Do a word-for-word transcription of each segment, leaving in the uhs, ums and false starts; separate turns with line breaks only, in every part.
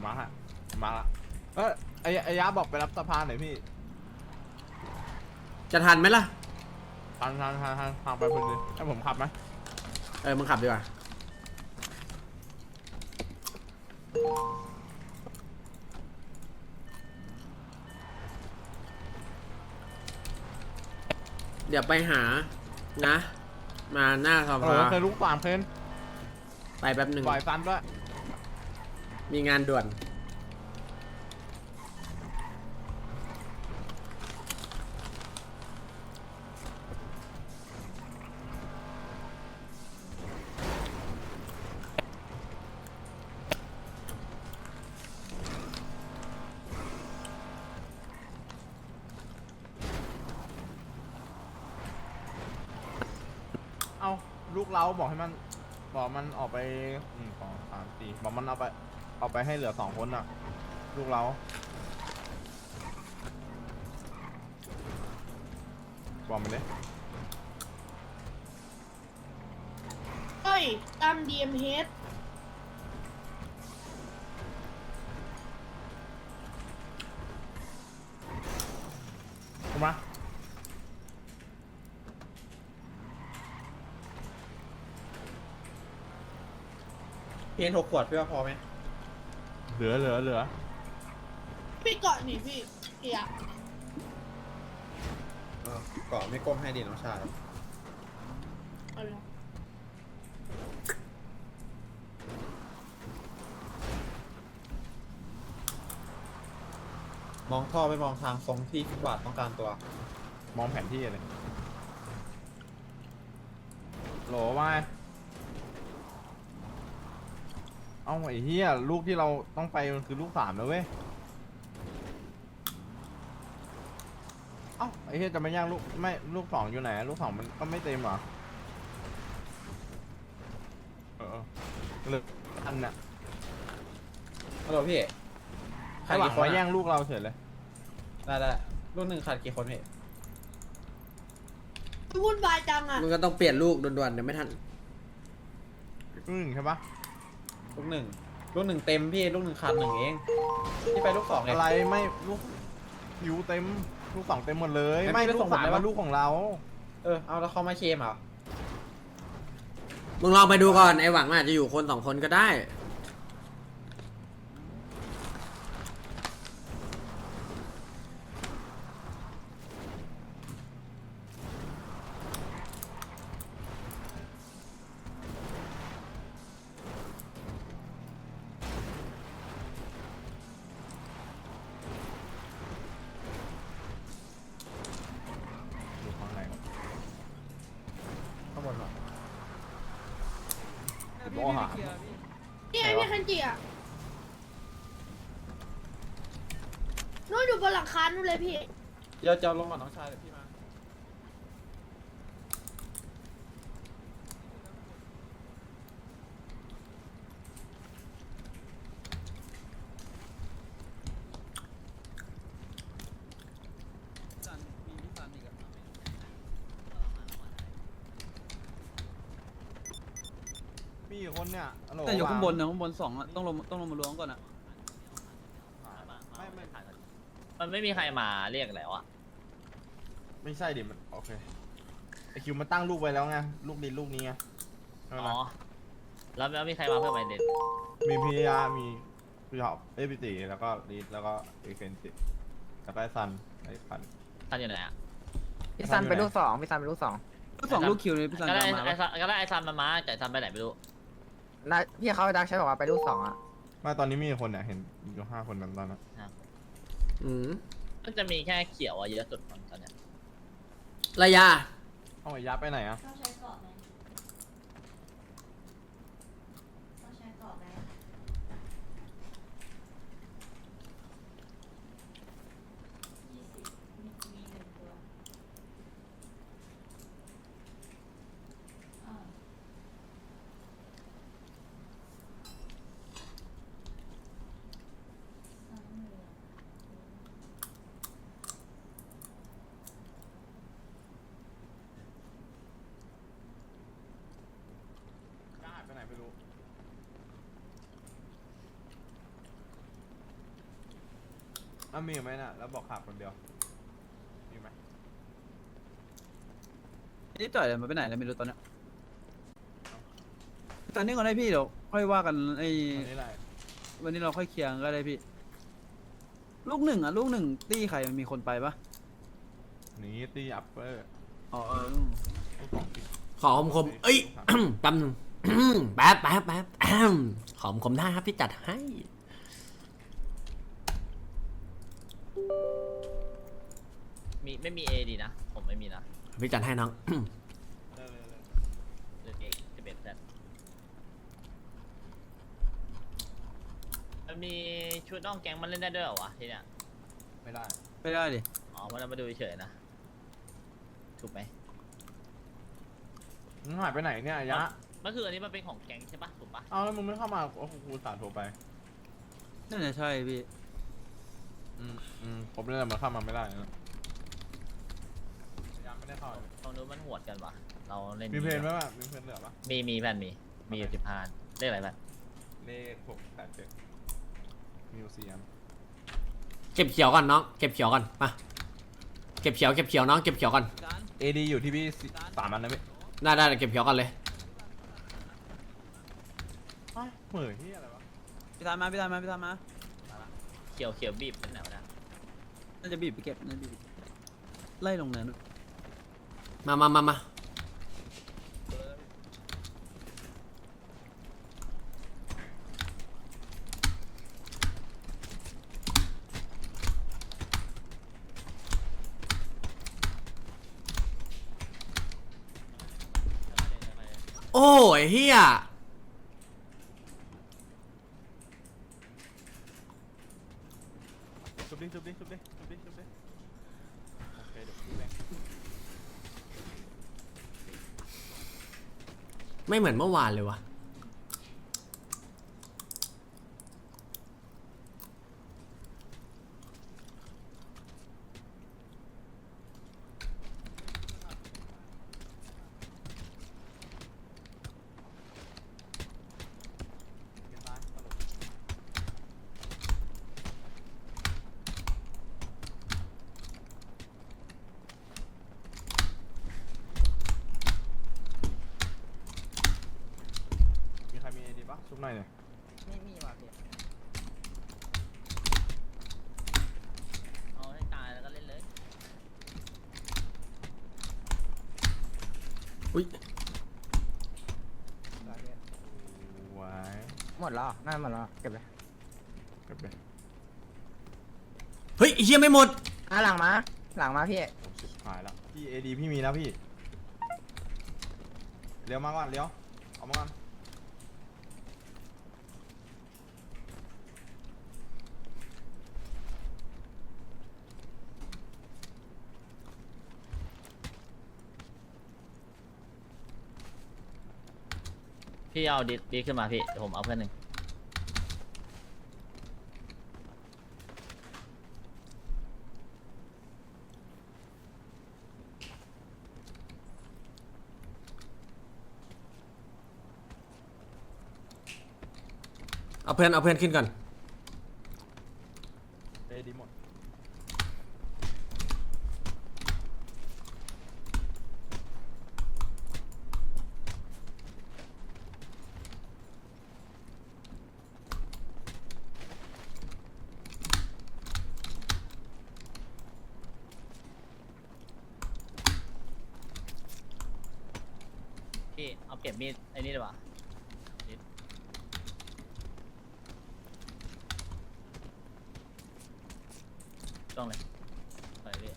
มาฮะมาละเออไอ้ไอ้ยาบอกไปรับสะพานหน่อยพี่
จะทันไหมล่ะ
ทางทางทางทางทางไปพอดีให้ผมขับไหม
เออมึงขับดีกว่าเดี๋ยวไปหานะมาหน้าสภา
เคยลูกสามเพน
ไปแป๊บหนึ่ง
ปล่อยฟันด้วย
มีงานด่วน
เอาลูกเราบอกให้มันบอกมันออกไปหนึ่งสองสามสี่บอกมันเอาไปเอาไปให้เหลือสองคนอ่ะลูกเราบอกมันเลย
เฮ้ยตาม ดี เอ็ม เอช
ถูกไหม
เพนหกขวดพี่ว่าพอไหม
เหลือเหลือเหลือ
พี่เกาะนี่พี่เกียร์
เออเกาะไม่ก้มให้ดีน้องชาย
เอาเลย
มองท่อไปมองทางทรงที่ฟุตบาทต้องการตัว
มองแผนที่เลยโหลว่าเอาไอ้เหี้ยลูกที่เราต้องไปมันคือลูกสามแล้วเว้ยเอ้าไอ้เหี้ยจะไม่ย่างลูกไม่ลูกสองอยู่ไหนลูกสองมันก็ไม่เต็มเหรอเออเหลืออันน่ะ
ฮัลโหลพี่
ใครหวังมาแย่งลูกเราเฉยเลย
ได้ได้รุ่นหนึ่งขาดกี่คนพี่
วุ่นวายจังอ่ะ
มึงก็ต้องเปลี่ยนลูกด่วนๆเดี๋ยวไม่ทัน
อืมใช่ปะ
ลูกหนึ่งลูกหนึ่งเต็มพี่ลูกหนึ่งขาดหนึ่งเองพี่ไปลูกสองเลย
อะไรไม่ลูกผิวเต็มลูกสองเต็มหมดเลย
ไม่
ไม่
ไม่
ลู
ส่
ก
ง
สาม
หมดเลย
มา
ปะ
ลูกของเรา
เออเอาแล้วเขามาเคมเหรอ
มึงลองไปดูก่อนไอ้หวังอาจจะอยู่คนสองคนก็ได้
อยู่ข้างใน
ข้างบนเหรอ
โมหะ
นี่ไอ้พี่คันจิอ่ะนู่นอยู่บนหลังคานู่นเลยพี่
เดี๋ยวจะลงก่อนน้องชายเดี๋ยวพี่มา
มีกี่คนเนี่ยฮัลโหล
แต่อยู่ข้างบนนะข้างบนสองอะต้องลงต้องลงมาล้วงก่อนอะ
ไม่ไม่
มันไม่มีใครมาเรียกแล้วอ่ะ
ไม่ใช่ดิมันโอเคไอคิวมันตั้งลูกไว้แล้วไงลูกดินลูกนี้ไงใช่ไหม
อ๋อ แล้วแล้วมีใครมาเพิ่มไหมเด็ด
มีพียามีพี่หอบเอ้ยพี่ตีแล้วก็ลีดแล้วก็เอเฟนติแล้วก็ไอซันไอพัน
ท่านอยู่ไหนอ่ะ
พี่ซันเป็นลูกสองพี่ซันเป็นลูกสอง
ลูกสองลูกคิวเลยพี่ซัน
ก็ได้
ตามมา
ไอ
ปะ
ซันก็ได้ไอซันมามาแต่ไอ้ซันไปไหนไม่รู้
แล้วพี่เขาดักใช้บอกว่าไปลูกสองอ่ะ
ไม่ตอนนี้มีกี่คนเนี่ยเห็นอยู่ห้าคนนั้นตอนนั้น
อืม
มันจะมีแค่เขียวอะเยอะสุดตอนเนี้ย
ระยะ
เอาไอ้ยาไปไหนอ่ะ
ต้องใช้เกาะไหมต้องใช้เกาะไหมยี่สิบมีมีหนึ่งตัวอ่าสามเหลือง
อ่ะมีไหมน่ะแล้วบอกขาดคนเดียวมีไหม
นี่จ่อยมันไปไหนแล้วไม่รู้ตอนเนี้ยตอนนี้ก่อนได้พี่เดี๋ยวค่อยว่ากันไอ้
อันนี้แหละ
วันนี้เราค่อยเคลียร์ก็ได้พี่ ลูกหนึ่งอ่ะลูกหนึ่งตี้ใครมันมีคนไปปะ
นี่ตีอัปเปอร์
อ๋อเออ
ลูกสองตี
ขอคมคมๆเอ้ย แป๊บนึง แป๊บแป๊บแป๊บขอคมคมได้ครับพี่จัดให้
มีไม่มีเอดีนะ ผมไม่มีนะ
พี่จัดให้น้อง
เร็วๆ
เลือกเอจะเป็นแซดมันมีชุดน้องแก๊งมันเล่นได้ด้วยเหรอวะทีเนี้ย
ๆไม่ได้
ไม่ได้ดิ
อ๋อมันเอามาดูเฉยๆนะ ถูกไหม
มึงหายไปไหนเนี่ยยะ
มันคืออันนี้มันเป็นของแก๊งใช่ปะถูกปะ
เอาแล้วมึงไม่เข้ามาโอ้โหกูสารโทรไป
น่าจะใช่พี่
อืมอืมผมเลยมันเข้ามาไม่ได้นะยังไม่ได้เข้าเลย
ตรงนู้นมันหวดกันวะเราเล่น
มีเพลงไหมวะมีเพลงเหลือปะ
มีมีแผ่นมี มีอยู่สิบพานเรียกอะไรแผ่น
เลขหกแปดเจ็ดมิวเซียม
เก็บเขียวก่อนน้อง เก็บเขียวก่อน มา เก็บเขียว เก็บเขียวน้อง เก็บเขียวก่อน
เอดีอยู่ที่พี่สิสามอันนะพี่
ได้ได้เก็บเขียวก่อนเลย
เฮ้ยเหมือนที่อะไรวะ
พี่ตามมาพี่ตามมาพี่ตามมา
เขียวเขียวบีบเป็นไหนวะเนะ
น่าจะบีบไปเก็บน่าจะบีบไปเก็บไล่ลงเนินด้วย
มามามามาโอ้ยเฮีย
ชุบดิชุบดิชุบดิชุบดิชุบดิโอเคเดี๋ยวพี่แบงค์
ไม่เหมือนเมื่อวานเลยวะ
เป็นร้านตลกมีใครมีไอดีปะชุบหน่อยเนี่ย
ไม่มีว่ะพี่
เอาให้ตายแล้วก็เล่นเลย
อุ้ย
ได้ไว้
หมดแล้วน่าหมดแล้วเก็บเลย
เก็บไป
เฮ้ยไอ้เฮียไม่หมด
อ่ะหลังมาหลังมาพี่
โอ้ชิบหายแล้วพี่เอดีพี่มีแล้วพี่เลี้ยวมาก่อนเลี้ยวเอามาก่อน
พี่เอาดิดีขึ้นมาพี่เดี๋ยวผมเอาเพื่อนหนึ่ง
เอาเพื่อนเอาเพื่อนขึ้นก่อน
เอดีหมด
พี่เอาเก็บมีดไอ้นี่ดีกว่านิดต้องเลยไปพี่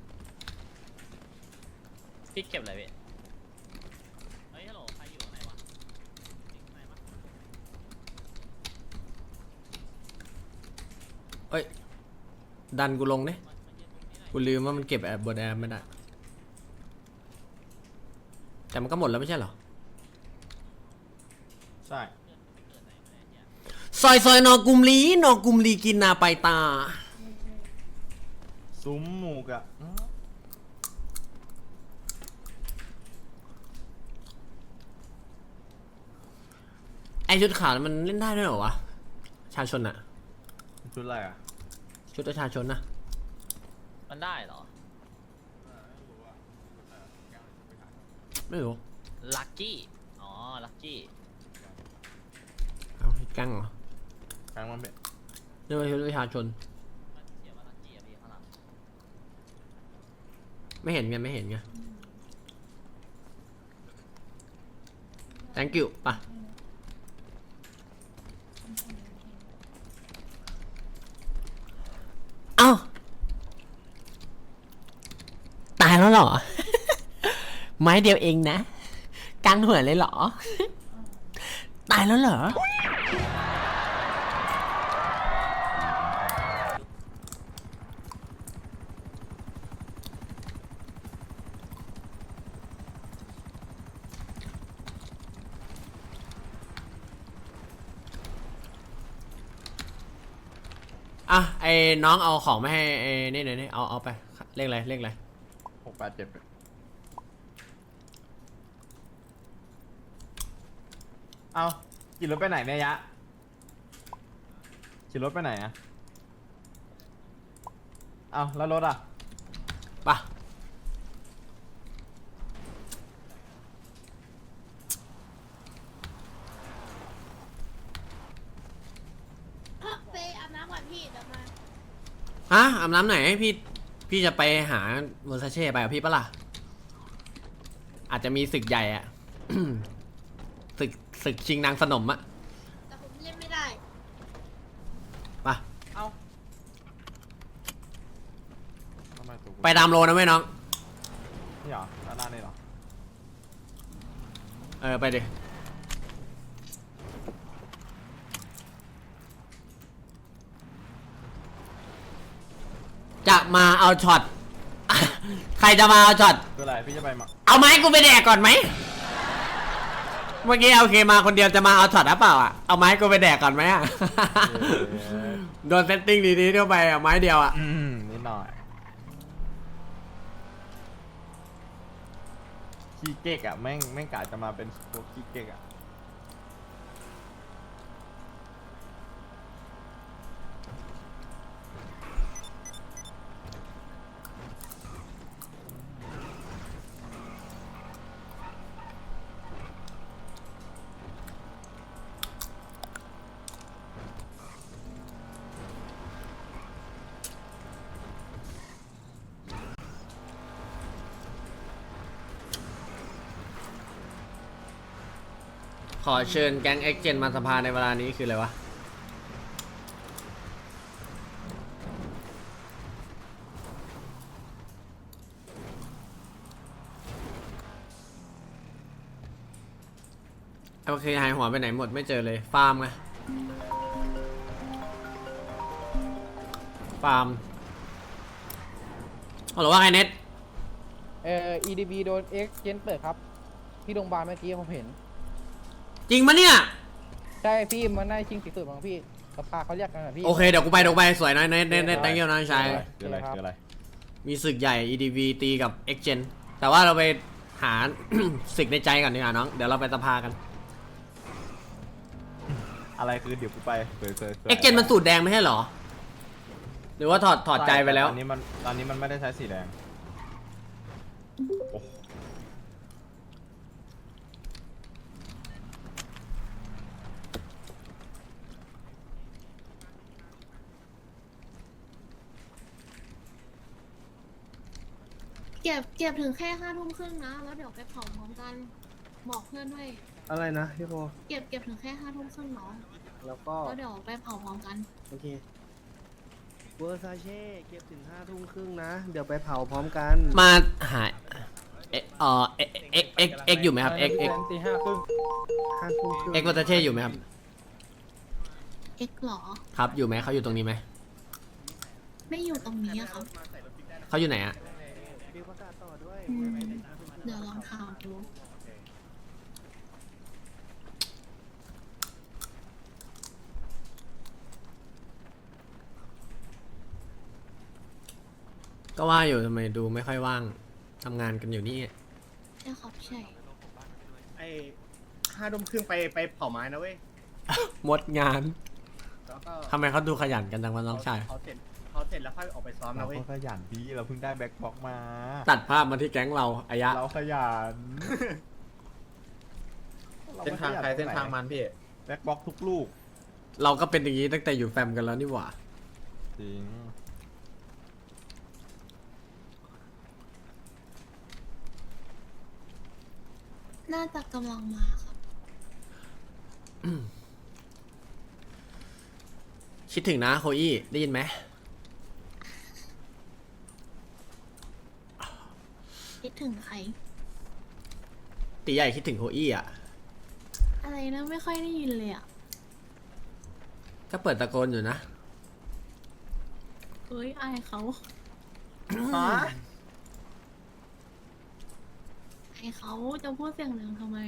พี่เก็บอะไรพี่เฮ้ยฮัลโหลใครอยู่ข้างในวะอยู่ข้างในปะ
เอ้ย ดันกูลงเนี่ย
มามายืนตรงนี้หน่อย
กูลืมว่ามันเก็บแอบบนแอร์ไม่ได้ แต่มันก็หมดแล้วไม่ใช่เหรอ
ใช่
เกิดไหนมาเนี่ย
ซอยซอยนอกุมลีนอกุมลีกินนาไปตา
ซุ้มหมูกอะอื้อ
ไอชุดขาวมันเล่นได้ด้วยเหรอวะ ชาชนอะ
ชุดอะไรอะ
ชุดประชาชนนะ
มันได้เหรอ
ไม่รู้
ลัคกี้อ๋อลัคกี้
เอาให้กั้งเหรอ
แกงมันเป็น
เรียกว่าชุดประชาชน
มันเขียนว่าลัคกี้อะพี่ข้างหลัง
ไม่เห็นไงไม่เห็นไง thank you ป่ะเอ้าตายแล้วเหรอ ไม้เดียวเองนะกลางหัวเลยเหรอ ตายแล้วเหรอ อ่ะไอ้น้องเอาของมาให้ไอ้นี่หน่อยนี่เอาเอาไปเลขอะไรเลขอะไร
หกแปดเจ็ดเอาขี่รถไปไหนเนี่ยยะขี่รถไปไหนอะเอาแล้วรถอะ
ไปะ
ไปอาบน้ำก่อนพี่เดี๋ยวมา
ฮะอาบน้ำไหนพี่พี่จะไปหาเวอร์ซาเช่ไปกับพี่ปะล่ะอาจจะมีศึกใหญ่อะ ศึกศึกชิงนางสนมอะ
แต่ผมเล่นไม่ได้
ไปะ
เอาทำไมตัวกู
ไปตามโลนะเว้ยน้อง
นี่เหรอด้านหน้านี่เหรอ
เออไปดิจะมาเอาช็อต ใครจะมาเอาช็อต
คืออะไรพี่จะไปมา
เอาไม้กูไปแดกก่อนไหม เมื่อกี้โอเคมาคนเดียวจะมาเอาช็อตหรือเปล่าอ่ะ เอาไม้กูไปแดกก่อนไหมอ่ะ โดนเซตติ้งดีๆเข้าไปอ่ะไม้เดียวอ่ะ
อืมนิดหน่อยขี้เก๊กอะแม่งแม่งกะจะมาเป็นพวกขี้เก๊กอะ
ขอเชิญแก๊งเอ็กเจนมาสภาในเวลานี้คืออะไรวะ โอเคหายหัวไปไหนหมดไม่เจอเลยฟาร์มไงฟาร์มเอาหรอว่าไงเน็ต
เอ่อ อี ดี บี โดน X เจนเปิดครับ ที่โรงพยาบาลเมื่อกี้ผมเห็น
จริงปะเนี่ย
ใช่พี่มันได้ชิงสีสุดของพี่สภาเขาเรียกกันนะพี่
โอเคเดี๋ยวกูไปเดี๋ยวกูไปสวยนะเน็ตเน็ตเน็ต thank you น้องชาย
คืออะไรคืออะไร
มีศึกใหญ่ อี ดี วี ตีกับ X Gen แต่ว่าเราไปหา ศึกในใจก่อนดีกว่าน้อง เดี๋ยวเราไปสภากัน
อะไรคือเดี๋ยวกูไปเคยเคย
X Gen มันสูตรแดงไม่ใช่เหรอ หรือว่าถอดถอดใจไปแล้ว
ตอนนี้มันตอนนี้มันไม่ได้ใช้สีแดงโอ้
เก็บเก็บถึงแค่ห้าทุ่มครึ่งนะ แล้วเดี๋ยวไปเผาพร้อมกัน บอกเพื่อนด้วย
อะไรนะพี่โบ
เก็บเก็บถึงแค่ห้าทุ่มครึ่งเนาะ
แล้วก็
แล้วเดี๋ยวไปเผาพร้อมกัน
โอเคเวอร์ซาเช่เก็บถึงห้าทุ่มครึ่งนะ เดี๋ยวไปเผาพร้อมกัน
มาหาเอเอ่อ X X X อยู่ไหมครับ X X
ตีห้าครึ่งห้าทุ่มครึ่ง
X วัตเช่อยู่ไหมครับ
เอ็กหรอ
ครับ อยู่ไหมเขาอยู่ตรงนี้ไหม
ไม่อยู่ตรงนี้อะครับ
เขาอยู่ไหนอะ
มีประกาศต่อด้วย
อืมเดี๋ยวลองถามดู
ก็ว่าอยู่ทำไมดูไม่ค่อยว่างทำงานกันอยู่นี่
ใช่ครับใช่
ไอ้ห้าทุ่มครึ่งไปไปเผาไม้นะเว้ย
หมดงาน
แล้วก็
ทำไมเขาดูขยันกันจังวะน้องชาย
เขาเสร็จเขาเสร็จเสร็จแล้วค่อยออกไปซ้อม
เรา
นะเว้ย
ก็ขยันพี่เราเพิ่งได้แบ็คบ็อกมา
ตัดภาพมาที่แก๊งเราอายะ
เราขยัน
เส้นทางใครเส้นทางมันพี่
แบ็คบ็อกทุกลูก
เราก็เป็นอย่างนี้ตั้งแต่อยู่แฟมกันแล้วนี่หว่า
จริง
น่าจะกำลังมาครับ
คิดถึงนะโคอี้ได้ยินไหม
คิดถึงใคร
ตีใหญ่คิดถึงโคอี้อ่ะ
อะไรนะไม่ค่อยได้ยินเลยอ่ะ
ก็เปิดตะโกนอยู่นะ
เฮ้ยอายเขา
ฮะ
อายเขาจะพูดเสียงดังทำไม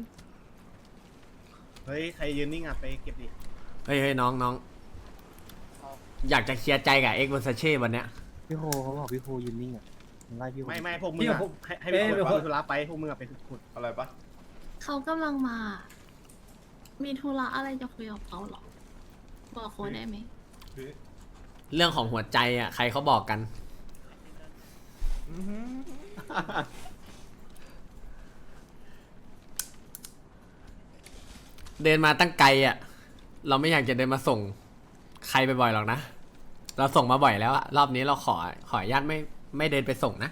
เฮ้ยใครยืนนิ่งอ่ะไปเก็บดิ
เฮ้ยเฮ้ยน้องน้องอยากจะเคลียร์ใจกับเอ็กซ์วอร์ซาเช่วันเนี้ย
พี่โคเขาบอกพี่โคยืนนิ่งอ่ะไล่พี่โคไม่ไม่พวกมึง
พี่
อะ
ผม
ให้ให้พี่โคไปธุระไปพวกมึงอะไปขุด
อะไรปะ
เขากำลังมา มีธุระอะไรจะคุยกับเขาเหรอ บอกโค้ดได้ไหม
พี่
เรื่องของหัวใจอ่ะใครเขาบอกกัน
อื้อหือ
เดินมาตั้งไกลอ่ะ เราไม่อยากจะเดินมาส่งใครไปบ่อยหรอกนะ เราส่งมาบ่อยแล้วอะรอบนี้เราขอขออนุญาตไม่ไม่เดินไปส่งนะ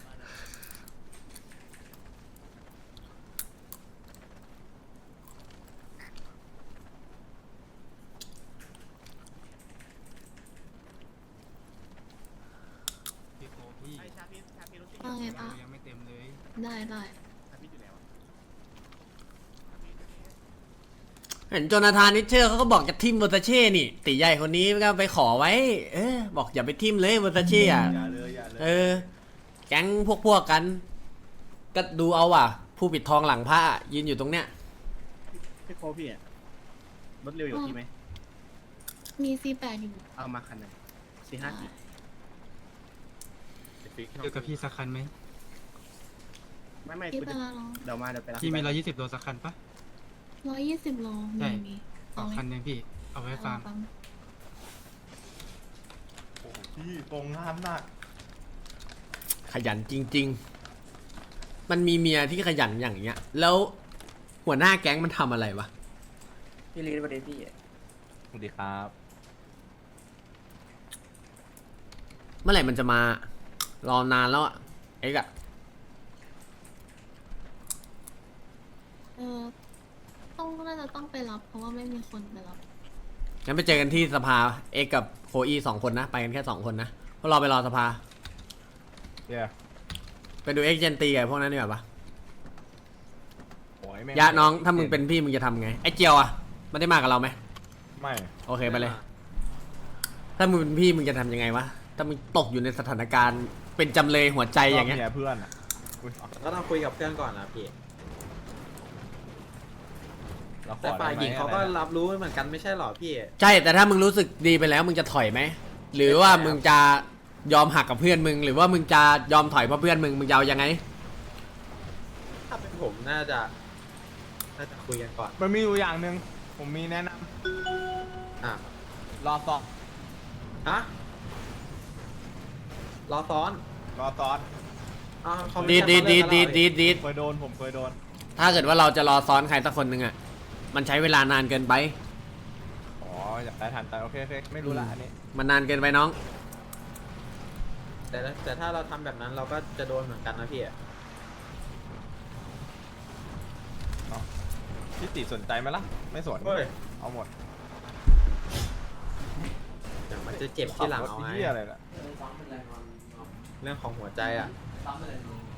ๆชาพี่ชาพี่รู้สึก
ว่าไงปะ
ยังไม่เต็มเลย
ได้ได้
ชาพี่อยู่แล้ว
เห็นโจนาธานนิเชอร์เขาก็บอกจะทิมวอร์ซาเช่นี่ตีใหญ่คนนี้ก็ไปขอไว้ เออ บอกอย่าไปทิมเลยวอร์ซาเช่อะ
อย่าเลยอย่าเลย
เออ แก๊งพวกพวกกัน ก็ดูเอาว่ะ ผู้ปิดทองหลังพระยืนอยู่ตรงเนี้ย
พี่โคพี่อะรถเร็วอยู่ที่ไหม
มีซีแปดอยู่
เอามาคันหนึ่งสี่ห้ากี่
เจอกับพี่สักคันไหม
ไม่ไม่
คิด
กู
ไป
จะ
แล้วเนาะ
เดี๋ยวมาเดี๋ยวไปรับ
พี่มีร้อยยี่สิบโลสักคันปะ
ร้อยยี่สิบโล
ใช่
มีมี
สองคันยังพี่ เอาไว้ฟัง
เอา
โอ้โหพี่ตรงงานหนัก
ขยันจริง ๆ มันมีเมียที่ขยันอย่างเงี้ย แล้วหัวหน้าแก๊งมันทำอะไรวะ
พี่ลีดประเด็นพี่
สวัสดีครับ
เมื่อไหร่มันจะมา รอนานแล้วอะเอ็กซ์อะ
เออต้องน่าจะต้องไปรับ เพราะว่าไม่มีคนไปรับ
งั้นไปเจอกันที่สภาเอ็กซ์กับโคอีสองคนนะ ไปกันแค่สองคนนะพวกเราไปรอสภา
เย้
ไปดูเอ็กซ์เจนตีกับพวกนั้นดีกว่าปะ
โอ้ยแม่ง
ยะน้องถ้ามึงเป็นพี่มึงจะทำไง ไอ้เจียวอะมันได้มากับเราไหม
ไม่
โอเคไปเลย ถ้ามึงเป็นพี่มึงจะทำยังไงวะ ถ้ามึงตกอยู่ในสถานการณ์เป็นจำเลยหัวใจอย่างเงี้ย
รบนี้เพื่อนอ่ะอุ๊ย
ก็ต้องคุยกับเพื่อนก่อนนะพี่
เราขอ
แต่ฝ่ายหญิงเขาก็
ได้ไม
รับรู้เหมือนกันไม่ใช่หรอพี่
ใช่ แต่ถ้ามึงรู้สึกดีไปแล้วมึงจะถอยไหม หรือว่ามึงจะยอมหักกับเพื่อนมึง หรือว่ามึงจะยอมถอยเพราะเพื่อนมึง มึงจะเอายังไง
ถ้าเป็นผมน่าจะน่าจะคุยกันก่อน
มันมีอยู่อย่างหนึ่งผมมีแนะน
อ่ะ
ำรอซ้อน
ฮะรอซ้อน
รอซ้อน
อ้าวเขาไม่
ดีด
ใช่
ดีด
เขา
ดี
เลิ
ด
ก
ดี
กัน
ดดีดดีด
เคยโดนผมเคยโดน
ถ้าเกิดว่าเราจะรอซ้อนใครสักคนหนึ่งอะมันใช้เวลานานเกินไป
อ๋ออยากได้ทันแต่โอเคโอเคไม่รู้ละอันนี้
มันนานเกินไปน้อง
แต่ถ้าแต่ถ้าเราทำแบบนั้นเราก็จะโดนเหมือนกันนะพี่
พี่ติสนใจไหมล่ะ ไม่สน
เฮ้ย
เอาหมด
เดี๋ยวมันจะเจ็บที่หลังเอา
ขับรถ
ไง
เหี้ยอะไรล่ะ
เรื่องของหัวใจอ่ะ